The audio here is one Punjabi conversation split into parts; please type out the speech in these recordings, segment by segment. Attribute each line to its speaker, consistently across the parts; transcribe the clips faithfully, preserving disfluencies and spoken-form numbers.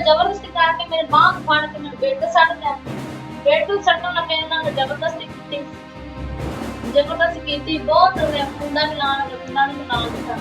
Speaker 1: ਜ਼ਬਰਦਸਤੀ ਕਰਕੇ ਮੇਰੇ ਬਾਂਹ ਨੂੰ ਫੜ ਕੇ ਮੈਨੂੰ ਬੈੱਡ ਤੇ ਸੱਟ ਲਿਆ। ਬੈੱਡ ਤੇ ਸੱਟਣ ਨਾਲ ਮੇਰੇ ਨਾਲ ਜ਼ਬਰਦਸਤੀ ਕੀਤੀ ਜ਼ਬਰਦਸਤੀ ਕੀਤੀ ਬਹੁਤ ਮੈਂ ਕੁੰਡਾ ਵੀ ਲਾਉਣ ਲੱਗਾ, ਕੁੰਡਾ ਵੀ ਨਾਲ ਦਿੱਤਾ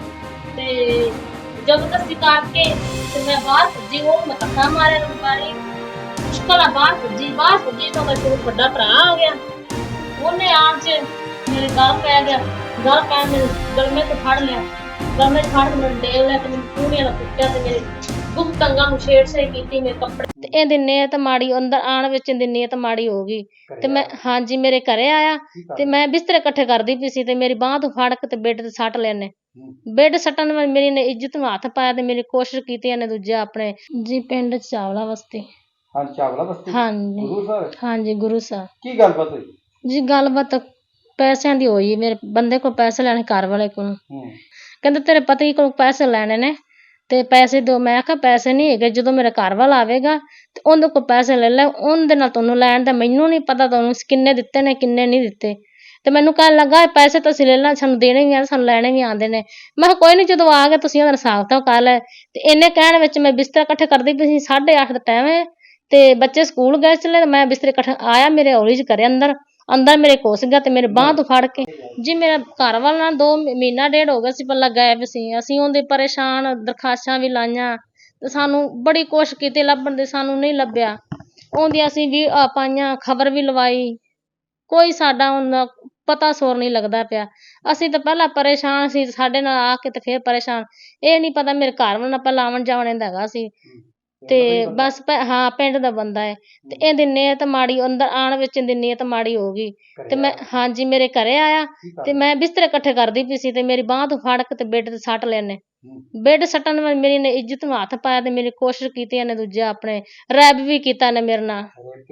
Speaker 1: ਤੇ ਜ਼ਬਰਦਸਤੀ ਕਰਕੇ ਤੇ ਮੈਂ ਬਾਹਰ ਭੱਜੀ। ਉਹ ਮੈਂ ਧੱਕਾ ਮਾਰਿਆ ਨੂੰ ਮਾਰੀ ਮੁਸ਼ਕਲ ਨਾਲ ਬਾਹਰ ਭੱਜੀ। ਬਾਹਰ ਭੱਜੀ ਤਾਂ ਮੇਰੇ ਵੱਡਾ ਭਰਾ ਆ ਗਿਆ। ਉਹਨੇ ਆਣ ਚ ਮੇਰੇ ਗਲ ਪੈ ਗਿਆ। ਗਲ ਪੈ ਮੇਰੇ ਗਲਮੇ ਤੋਂ ਫੜ ਲਿਆ। ਗਲਮੇ ਤੋਂ ਫੜ ਕੇ ਮੈਨੂੰ ਡੇਲ ਲਿਆ ਤੇ ਮੈਨੂੰ ਪੂਰੀਆਂ ਨਾਲ ਕੁੱਟਿਆ ਤੇ ਮੇਰੇ ਗੁਪਤ ਅੰਗਾਂ ਨੂੰ ਛੇੜ-ਛਾੜ ਕੀਤੀ। ਮੇਰੇ ਕੱਪੜੇ ਤੇ ਇਹਦੀ ਨੀਅਤ ਮਾੜੀ, ਅੰਦਰ ਆਣ ਵਿੱਚ ਇਹਦੀ ਨੀਅਤ ਮਾੜੀ ਹੋ ਗਈ ਤੇ ਮੈਂ ਹਾਂਜੀ ਮੇਰੇ ਘਰੇ ਆਇਆ ਤੇ ਮੈਂ ਬਿਸਤਰੇ ਇਕੱਠੇ ਕਰਦੀ ਪਈ ਸੀ ਤੇ ਮੇਰੀ ਬਾਂਹ ਤੋਂ ਫੜ ਕੇ ਤੇ ਬੈੱਡ ਤੇ ਸੱਟ ਲਿਆ ਇਹਨੇ। ਬੈੱਡ ਸੱਟਣ ਨਾਲ ਮੇਰੀ ਨੇ ਇੱਜ਼ਤ ਨੂੰ ਹੱਥ ਪਾਇਆ ਤੇ ਮੇਰੀ ਕੋਸ਼ਿਸ਼ ਕੀਤੀ ਇਹਨੇ ਦੂਜਾ ਆਪਣੇ ਜੀ ਪਿੰਡ ਚਾਵਲਾ ਬਸਤੀ।
Speaker 2: ਹਾਂਜੀ ਚਾਵਲਾ ਬਸਤੀ।
Speaker 1: ਹਾਂਜੀ
Speaker 2: ਗੁਰੂ ਸਾਹਿਬ।
Speaker 1: ਹਾਂਜੀ ਗੁਰੂ ਸਾਹਿਬ।
Speaker 2: ਕੀ ਗੱਲਬਾਤ ਹੋਈ
Speaker 1: ਜੀ? ਗੱਲਬਾਤ ਪੈਸਿਆਂ ਦੀ ਹੋਈ। ਮੇਰੇ ਬੰਦੇ ਕੋਲ ਪੈਸੇ ਲੈਣੇ, ਘਰ ਵਾਲੇ ਕੋਲ। ਕਹਿੰਦੇ ਤੇਰੇ ਪਤੀ ਕੋਲ ਪੈਸੇ ਲੈਣੇ ਨੇ ਤੇ ਪੈਸੇ ਦਿਓ। ਮੈਂ ਕਿਹਾ ਪੈਸੇ ਨਹੀਂ ਹੈਗੇ, ਜਦੋਂ ਮੇਰਾ ਘਰ ਵਾਲਾ ਆਵੇਗਾ ਤੇ ਉਹਦੇ ਕੋਲ ਪੈਸੇ ਲੈ ਲੈ, ਉਹਦੇ ਨਾਲ ਤੁਹਾਨੂੰ ਲੈਣ ਦਾ ਮੈਨੂੰ ਨਹੀਂ ਪਤਾ ਤੁਹਾਨੂੰ ਕਿੰਨੇ ਦਿੱਤੇ ਨੇ ਕਿੰਨੇ ਨਹੀਂ ਦਿੱਤੇ। ਤੇ ਮੈਨੂੰ ਕਹਿਣ ਲੱਗਾ ਪੈਸੇ ਤਾਂ ਅਸੀਂ ਲੈ ਲਾ, ਸਾਨੂੰ ਦੇਣੇ ਵੀ ਆ ਸਾਨੂੰ ਲੈਣੇ ਵੀ ਆਉਂਦੇ ਨੇ। ਮੈਂ ਕਿਹਾ ਕੋਈ ਨਹੀਂ, ਜਦੋਂ ਆ ਗਏ ਤੁਸੀਂ ਉਹਦਾ ਹਿਸਾਬ ਤਾਂ ਕਰ ਲੈ। ਤੇ ਇਹਨੇ ਕਹਿਣ ਵਿੱਚ ਮੈਂ ਬਿਸਤਰਾ ਇਕੱਠੇ ਕਰਦੀ ਪਈ ਸੀ। ਸਾਢੇ ਅੱਠ ਦਾ ਟਾਈਮ ਹੈ ਤੇ ਬੱਚੇ ਸਕੂਲ ਗਏ ਚਲੇ ਤੇ ਮੈਂ ਬਿਸਤਰੇ ਇਕੱਠੇ ਆਇਆ ਮੇਰੇ ਹੌਲੀ ਚ ਕਰੇ ਅੰਦਰ ਅੰਦਰ ਮੇਰੇ ਘੁਸ ਗਿਆ ਤੇ ਮੇਰੇ ਬਾਂਹ ਤੋਂ ਫੜ ਕੇ ਜੀ ਮੇਰਾ ਘਰ ਵਾਲਾ ਨਾ ਦੋ ਮਹੀਨਾ ਡੇਢ ਹੋ ਗਿਆ ਸੀ ਪਹਿਲਾਂ ਗਾਇਬ ਸੀ। ਅਸੀਂ ਉਹਦੇ ਪਰੇਸ਼ਾਨ ਦਰਖਾਸਤਾਂ ਵੀ ਲਾਈਆਂ ਤੇ ਸਾਨੂੰ ਬੜੀ ਕੋਸ਼ਿਸ਼ ਕੀਤੀ ਲੱਭਣ ਦੀ, ਸਾਨੂੰ ਨਹੀਂ ਲੱਭਿਆ। ਉਹਦੀ ਅਸੀਂ ਵੀ ਪਾਈਆਂ, ਖਬਰ ਵੀ ਲਵਾਈ, ਕੋਈ ਸਾਡਾ ਹੁਣ ਪਤਾ ਸੋਰ ਨਹੀਂ ਲੱਗਦਾ ਪਿਆ। ਅਸੀਂ ਤਾਂ ਪਹਿਲਾਂ ਪਰੇਸ਼ਾਨ ਸੀ, ਸਾਡੇ ਨਾਲ ਆ ਕੇ ਤੇ ਫਿਰ ਪਰੇਸ਼ਾਨ। ਇਹ ਨਹੀਂ ਪਤਾ ਮੇਰੇ ਘਰ ਵਾਲਾ ਨਾਲ ਪਹਿਲਾਂ ਆਉਣ ਜਾਣ ਦਾ ਹੈਗਾ ਸੀ ਤੇ ਬਸ ਹਾਂ ਪਿੰਡ ਦਾ ਬੰਦਾ ਹੈ ਤੇ ਇਹਦੀ ਨੀਅਤ ਮਾੜੀ, ਅੰਦਰ ਆਣ ਵਿੱਚ ਇਹਦੀ ਨੀਅਤ ਮਾੜੀ ਹੋ ਗਈ ਤੇ ਮੈਂ ਹਾਂਜੀ ਮੇਰੇ ਘਰੇ ਆਇਆ ਤੇ ਮੈਂ ਬਿਸਤਰੇ ਇਕੱਠੇ ਕਰਦੀ ਪਈ ਸੀ ਤੇ ਮੇਰੀ ਬਾਂਹ ਤੋਂ ਫੜ ਕੇ ਤੇ ਬੈੱਡ ਤੇ ਸੱਟ ਲਿਆ ਇਹਨੇ। ਬੈੱਡ ਸੱਟਣ ਨਾਲ ਮੇਰੀ ਨੇ ਇੱਜ਼ਤ ਨੂੰ ਹੱਥ ਪਾਇਆ ਤੇ ਮੇਰੀ ਕੋਸ਼ਿਸ਼ ਕੀਤੀ ਇਹਨੇ ਦੂਜਾ ਆਪਣੇ ਰੈਬ ਵੀ ਕੀਤਾ ਇਹਨੇ ਮੇਰੇ ਨਾਲ।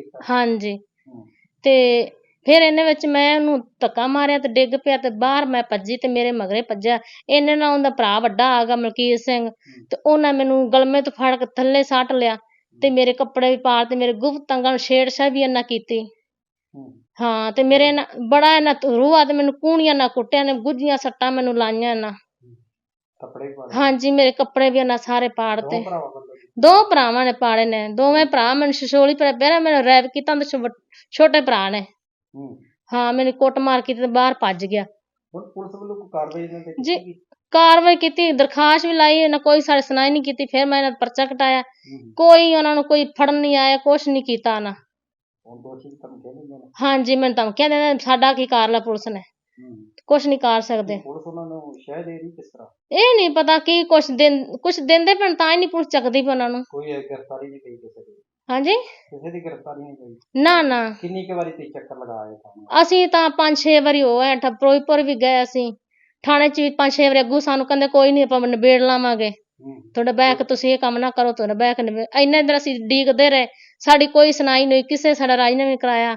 Speaker 1: ਹਾਂਜੀ ਤੇ ਫਿਰ ਇਹਨੇ ਵਿੱਚ ਮੈਂ ਉਹਨੂੰ ਧੱਕਾ ਮਾਰਿਆ ਤੇ ਡਿੱਗ ਪਿਆ ਤੇ ਬਾਹਰ ਮੈਂ ਭੱਜੀ ਤੇ ਮੇਰੇ ਮਗਰੇ ਭੱਜਿਆ। ਇਹਨੇ ਨਾਲ ਉਹਦਾ ਭਰਾ ਵੱਡਾ ਆ ਗਿਆ ਮਲਕੀਤ ਸਿੰਘ ਤੇ ਉਹਨਾਂ ਮੈਨੂੰ ਗਲਮੇ ਤੋਂ ਫੜ ਕੇ ਥੱਲੇ ਸੱਟ ਲਿਆ ਤੇ ਮੇਰੇ ਕੱਪੜੇ ਵੀ ਪਾੜ ਤੇ ਮੇਰੇ ਗੁਪਤ ਅੰਗਾਂ ਨੂੰ ਛੇੜ-ਛਾੜ ਵੀ ਇਹਨਾਂ ਕੀਤੀ। ਹਾਂ ਤੇ ਮੇਰੇ ਨਾ ਬੜਾ ਇਹਨਾਂ ਰੂਹਾ ਤੇ ਮੈਨੂੰ ਕੂਣੀਆਂ ਨਾਲ ਕੁੱਟਿਆ ਨੇ, ਗੁੱਝੀਆਂ ਸੱਟਾਂ ਮੈਨੂੰ ਲਾਈਆਂ ਇਹਨਾਂ। ਹਾਂਜੀ ਮੇਰੇ ਕੱਪੜੇ ਵੀ ਇਹਨਾਂ ਸਾਰੇ ਪਾੜ ਤੇ। ਦੋ ਭਰਾਵਾਂ ਨੇ ਪਾੜੇ ਨੇ, ਦੋਵੇਂ ਭਰਾ ਮੈਨੂੰ ਛਛੋਲੀ ਪਰ ਪਹਿਲਾਂ ਮੈਨੂੰ ਰੈਪ ਕੀਤਾ ਛੋਟੇ ਭਰਾ ਨੇ। ਹਾਂ ਮੈਨੂੰ ਕੁੱਟ ਮਾਰ ਕੀਤੀ ਤੇ ਬਾਹਰ ਭੱਜ ਗਿਆ।
Speaker 2: ਪੁਲਿਸ ਵੱਲੋਂ ਕੋਈ ਕਾਰਵਾਈ ਇਹਨਾਂ ਤੇ
Speaker 1: ਜੀ ਕਾਰਵਾਈ ਕੀਤੀ, ਦਰਖਾਸਤ ਵੀ ਲਾਈ, ਇਹਨਾਂ ਕੋਈ ਸਾਡੀ ਸੁਣਾਈ ਨਹੀਂ ਕੀਤੀ। ਫਿਰ ਮੈਂ ਇਹਨਾਂ ਦਾ ਪਰਚਾ ਕਟਾਇਆ, ਕੋਈ ਉਹਨਾਂ ਨੂੰ ਕੋਈ ਫੜਨ ਨਹੀਂ ਆਇਆ, ਕੁਛ ਨਹੀਂ ਕੀਤਾ ਉਹਨਾਂ। ਹਾਂਜੀ ਮੈਨੂੰ ਧਮਕੀਆਂ ਦਿੰਦੇ, ਸਾਡਾ ਕੀ ਕਰ ਲਿਆ ਪੁਲਿਸ ਨੇ, ਕੁਛ ਨਹੀਂ ਕਰ ਸਕਦੇ। ਇਹ ਨਹੀਂ ਪਤਾ ਕੀ ਕੁਛ ਦਿਨ ਕੁਛ ਦਿੰਦੇ ਪੈਣ ਤਾਂ ਹੀ ਨਹੀਂ ਪੁਲਿਸ ਚੱਕਦੀ ਪਈ ਉਹਨਾਂ ਨੂੰ। ਹਾਂਜੀ ਨਾ ਨਾ ਅਸੀਂ ਤਾਂ ਪੰਜ ਛੇ ਵਾਰੀ ਹੋ ਆਏ, ਫਿਰੋਜ਼ਪੁਰ ਵੀ ਗਏ ਅਸੀਂ, ਥਾਣੇ ਚ ਵੀ ਪੰਜ ਛੇ ਵਾਰੀ। ਅੱਗੂ ਸਾਨੂੰ ਕਹਿੰਦੇ ਕੋਈ ਨੀ ਆਪਾਂ ਨਿਬੇੜ ਲਾਵਾਂਗੇ, ਤੁਹਾਡਾ ਬਹਿ ਕੇ ਤੁਸੀਂ ਇਹ ਕੰਮ ਨਾ ਕਰੋ, ਤੁਹਾਡਾ ਬਹਿ ਕੇ ਨਿਬੇੜ। ਇੰਨੇ ਦਿਨ ਅਸੀਂ ਡੀਕਦੇ ਰਹੇ, ਸਾਡੀ ਕੋਈ ਸੁਣਾਈ ਨਹੀਂ, ਕਿਸੇ ਸਾਡਾ ਰਾਜ ਨੇ ਵੀ ਕਰਾਇਆ।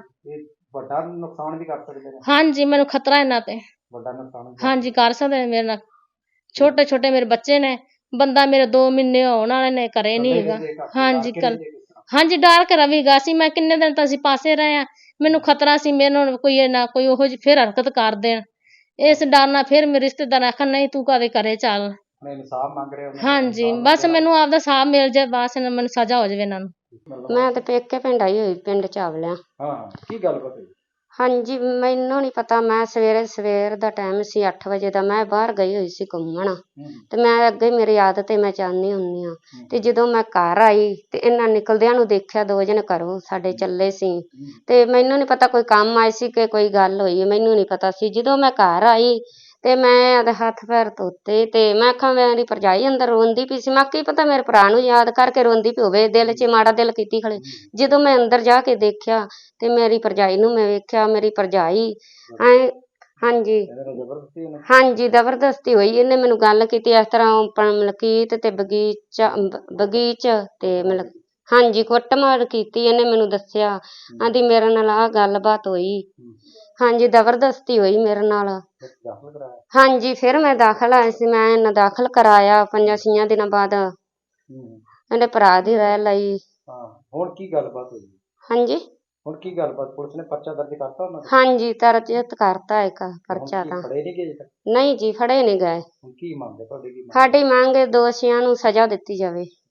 Speaker 1: ਹਾਂਜੀ ਮੈਨੂੰ ਖਤਰਾ ਇਹਨਾਂ ਤੇ, ਹਾਂਜੀ ਕਰ ਸਕਦੇ ਨੇ ਮੇਰੇ ਨਾਲ। ਛੋਟੇ ਛੋਟੇ ਮੇਰੇ ਬੱਚੇ ਨੇ, ਬੰਦਾ ਮੇਰੇ ਦੋ ਮਹੀਨੇ ਹੋਣ ਵਾਲੇ ਨੇ, ਘਰੇ ਨਹੀਂ ਹੈਗਾ। ਹਾਂਜੀ ਕੱਲ ਹਾਂਜੀ ਡਰ ਕੇ ਰਵੀਗਾ ਸੀ ਮੈਂ, ਕਿੰਨੇ ਦਿਨ ਤਾਂ ਅਸੀਂ ਪਾਸੇ ਰਹੇ ਆ, ਮੈਨੂੰ ਖਤਰਾ ਸੀ ਮੈਨੂੰ ਕੋਈ ਨਾ ਕੋਈ ਉਹੋ ਜਿਹੀ ਫਿਰ ਹਰਕਤ ਕਰ ਦੇਣ, ਇਸ ਡਰ ਨਾਲ ਫਿਰ ਮੇਰੇ ਰਿਸ਼ਤੇਦਾਰ ਆਖਣ ਨਹੀਂ ਤੂੰ ਕਦੇ ਘਰੇ ਚੱਲ। ਹਾਂਜੀ ਬਸ ਮੈਨੂੰ ਆਪਦਾ ਹਿਸਾਬ ਮਿਲ ਜਾਏ, ਬਸ ਮੈਨੂੰ ਸਜ਼ਾ ਹੋ ਜਾਵੇ ਇਹਨਾਂ ਨੂੰ।
Speaker 3: ਮੈਂ ਤੇ ਪੇਕੇ ਪਿੰਡ ਆਈ ਹੋਈ, ਪਿੰਡ ਚਾਵਲਿਆਂ।
Speaker 2: ਹਾਂ ਕੀ ਗੱਲਬਾਤ ਹੋਈ?
Speaker 3: ਹਾਂਜੀ ਮੈਨੂੰ ਨਹੀਂ ਪਤਾ, ਮੈਂ ਸਵੇਰੇ ਸਵੇਰ ਦਾ ਟਾਈਮ ਸੀ ਅੱਠ ਵਜੇ ਦਾ, ਮੈਂ ਬਾਹਰ ਗਈ ਹੋਈ ਸੀ ਘੁੰਮਣ ਤੇ ਮੈਂ ਅੱਗੇ ਮੇਰੀ ਆਦਤ ਹੈ ਮੈਂ ਜਾਂਦੀ ਹੁੰਦੀ ਹਾਂ। ਤੇ ਜਦੋਂ ਮੈਂ ਘਰ ਆਈ ਤੇ ਇਹਨਾਂ ਨਿਕਲਦਿਆਂ ਨੂੰ ਦੇਖਿਆ, ਦੋ ਜਣੇ ਘਰੋਂ ਸਾਡੇ ਚੱਲੇ ਸੀ ਤੇ ਮੈਨੂੰ ਨਹੀਂ ਪਤਾ ਕੋਈ ਕੰਮ ਆਏ ਸੀ ਕਿ ਕੋਈ ਗੱਲ ਹੋਈ, ਮੈਨੂੰ ਨਹੀਂ ਪਤਾ ਸੀ। ਜਦੋਂ ਮੈਂ ਘਰ ਆਈ ਤੇ ਮੈਂ ਉਹਦੇ ਹੱਥ ਪੈਰ ਧੋਤੇ ਤੇ ਮੈਂ ਆਖਾਂ ਮੇਰੀ ਭਰਜਾਈ ਅੰਦਰ ਰੋਂਦੀ ਪਈ ਸੀ। ਮੈਂ ਕੀ ਪਤਾ ਮੇਰੇ ਭਰਾ ਨੂੰ ਯਾਦ ਕਰਕੇ ਰੋਂਦੀ ਪਈ ਹੋਵੇ, ਦਿਲ 'ਚ ਮਾੜਾ ਦਿਲ ਕੀਤੀ ਖੜੇ। ਜਦੋਂ ਮੈਂ ਅੰਦਰ ਜਾ ਕੇ ਦੇਖਿਆ ਤੇ ਮੇਰੀ ਭਰਜਾਈ ਨੂੰ ਮੈਂ ਵੇਖਿਆ, ਮੇਰੀ ਭਰਜਾਈ ਐ ਹਾਂਜੀ ਹਾਂਜੀ ਜ਼ਬਰਦਸਤੀ ਹੋਈ। ਇਹਨੇ ਮੈਨੂੰ ਗੱਲ ਕੀਤੀ ਇਸ ਤਰ੍ਹਾਂ ਮਲਕੀਤ ਤੇ ਬਗੀਚਾ ਬਗੀਚ ਤੇ ਮਤਲਬ ਹਾਂਜੀ ਕੁੱਟਮਾਰ ਕੀਤੀ। ਇਹਨੇ ਮੈਨੂੰ ਦੱਸਿਆ, ਆਂਦੀ ਮੇਰੇ ਨਾਲ ਆਹ ਗੱਲਬਾਤ ਹੋਈ। ਹਾਂਜੀ ਜ਼ਬਰਦਸਤੀ ਹੋਈ ਮੇਰੇ ਨਾਲ। ਹਾਂਜੀ ਫਿਰ ਮੈਂ ਦਾਖਲ ਆਈ ਸੀ, ਮੈਂ ਇਹਨਾਂ ਦਾਖਲ ਕਰਾਇਆ ਪੰਜਾਂ ਛੀਆਂ ਦਿਨਾਂ ਬਾਅਦ। ਇਹਦੇ ਭਰਾ ਦੀ ਰਹਿ ਲਈ।
Speaker 2: ਹੁਣ ਕੀ ਗੱਲਬਾਤ ਹੋਈ?
Speaker 3: ਹਾਂਜੀ
Speaker 2: ਹੁਣ ਕੀ ਗੱਲਬਾਤ? ਪੁਲਿਸ ਨੇ ਪਰਚਾ ਦਰਜ ਕਰਤਾ ਉਹਨਾਂ ਦਾ?
Speaker 3: ਹਾਂਜੀ ਦਰਜ ਕਰਤਾ ਇੱਕ ਪਰਚਾ ਤਾਂ।
Speaker 2: ਫੜੇ ਨਹੀਂ ਗਏ?
Speaker 3: ਨਹੀਂ ਜੀ ਫੜੇ ਨਹੀਂ ਗਏ।
Speaker 2: ਕੀ ਮੰਗ ਹੈ ਤੁਹਾਡੀ?
Speaker 3: ਸਾਡੀ ਮੰਗ ਦੋਸ਼ੀਆਂ ਨੂੰ ਸਜ਼ਾ ਦਿੱਤੀ ਜਾਵੇ।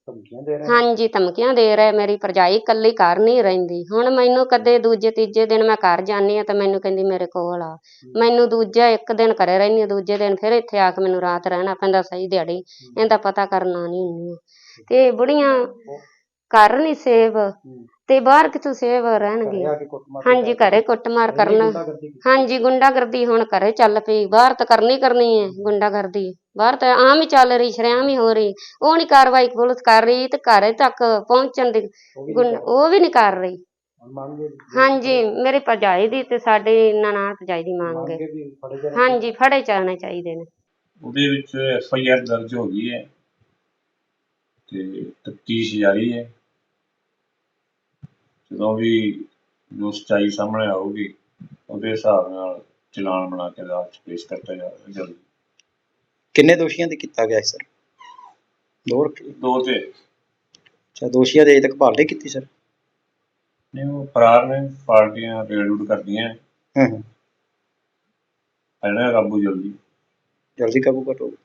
Speaker 2: ਧਮਕੀਆਂ ਦੇ ਰਹੇ
Speaker 3: ਹਾਂਜੀ ਧਮਕੀਆਂ ਦੇ ਰਹੇ। ਮੇਰੀ ਭਰਜਾਈ ਇਕੱਲੀ ਘਰ ਨਹੀਂ ਰਹਿੰਦੀ। ਹੁਣ ਮੈਨੂੰ ਕਦੇ ਦੂਜੇ ਤੀਜੇ ਦਿਨ ਮੈਂ ਘਰ ਜਾਂਦੀ ਹਾਂ ਤਾਂ ਮੈਨੂੰ ਕਹਿੰਦੀ ਮੇਰੇ ਕੋਲ ਆ। ਮੈਨੂੰ ਦੂਜਾ ਇੱਕ ਦਿਨ ਘਰੇ ਰਹਿੰਦੀ ਹਾਂ, ਦੂਜੇ ਦਿਨ ਫਿਰ ਇੱਥੇ ਆ ਕੇ ਮੈਨੂੰ ਰਾਤ ਰਹਿਣਾ ਪੈਂਦਾ ਸਹੀ ਦਿਹਾੜੀ। ਇਹਦਾ ਪਤਾ ਕਰਨਾ ਨਹੀਂ ਹੁੰਦੀ। ਤੇ ਬੁੜੀਆਂ ਘਰ ਨਹੀਂ ਸੇਵ ਤੇ ਬਾਹਰ ਕਿੱਥੋਂ ਸੇਵ ਰਹਿਣਗੀਆਂ। ਹਾਂਜੀ ਘਰੇ ਕੁੱਟਮਾਰ ਕਰਨਾ। ਹਾਂਜੀ ਗੁੰਡਾਗਰਦੀ ਹੁਣ ਘਰੇ ਚੱਲ ਪਈ। ਬਾਹਰ ਤਾਂ ਕਰਨੀ ਕਰਨੀ ਹੈ ਗੁੰਡਾਗਰਦੀ। ਬਾਹਰ ਤਾਂ ਆਮ ਹੀ ਚੱਲ ਰਹੀ, ਸ਼ਰੇਆਮ ਹੀ ਹੋ ਰਹੀ। ਉਹ ਨਹੀਂ ਕਾਰਵਾਈ ਪੁਲਿਸ ਕਰ ਰਹੀ ਤੇ ਘਰੇ ਤੱਕ ਪਹੁੰਚਣ ਦੀ ਗੁੰਡ ਉਹ ਵੀ ਨਹੀਂ ਕਰ ਰਹੀ। ਹਾਂਜੀ ਮੇਰੀ ਭਰਜਾਈ ਦੀ ਤੇ ਸਾਡੀ ਨਨਾਣ ਭਰਜਾਈ ਦੀ ਮੰਗ ਹੈ। ਹਾਂਜੀ ਫੜੇ ਜਾਣੇ ਚਾਹੀਦੇ ਨੇ।
Speaker 4: ਉਹਦੇ ਵਿੱਚ ਐਫ ਆਈ ਆਰ ਦਰਜ ਹੋ ਗਈ ਹੈ ਤੇ ਤਫਤੀਸ਼ ਜਾਰੀ ਹੈ। ਜਦੋਂ ਵੀ ਜੋ ਸੱਚਾਈ ਸਾਹਮਣੇ ਆਊਗੀ ਉਹਦੇ ਹਿਸਾਬ ਨਾਲ ਚਲਾਨ ਬਣਾ ਕੇ ਅਦਾਲਤ 'ਚ ਪੇਸ਼ ਕੀਤਾ ਜਾਵੇਗਾ ਜਲਦੀ।
Speaker 5: ਕਿੰਨੇ ਦੋਸ਼ੀਆਂ ਤੇ ਕੀਤਾ ਗਿਆ ਸਰ? ਦੋ ਰੱਖੇ
Speaker 4: ਦੋ ਤੇ
Speaker 5: ਅੱਛਾ, ਦੋਸ਼ੀਆਂ ਦੇ ਅਜੇ ਤੱਕ ਭਾਲ ਨਹੀਂ ਕੀਤੀ ਸਰ?
Speaker 4: ਨਹੀਂ ਉਹ ਫਰਾਰ ਨੇ, ਪਾਰਟੀਆਂ ਰੇਡ ਰੂਡ ਕਰਦੀਆਂ।
Speaker 5: ਹੂੰ ਹੂੰ
Speaker 4: ਇਹਨਾਂ ਕਾਬੂ ਜਲਦੀ
Speaker 5: ਜਲਦੀ ਕਾਬੂ ਕਰੋ।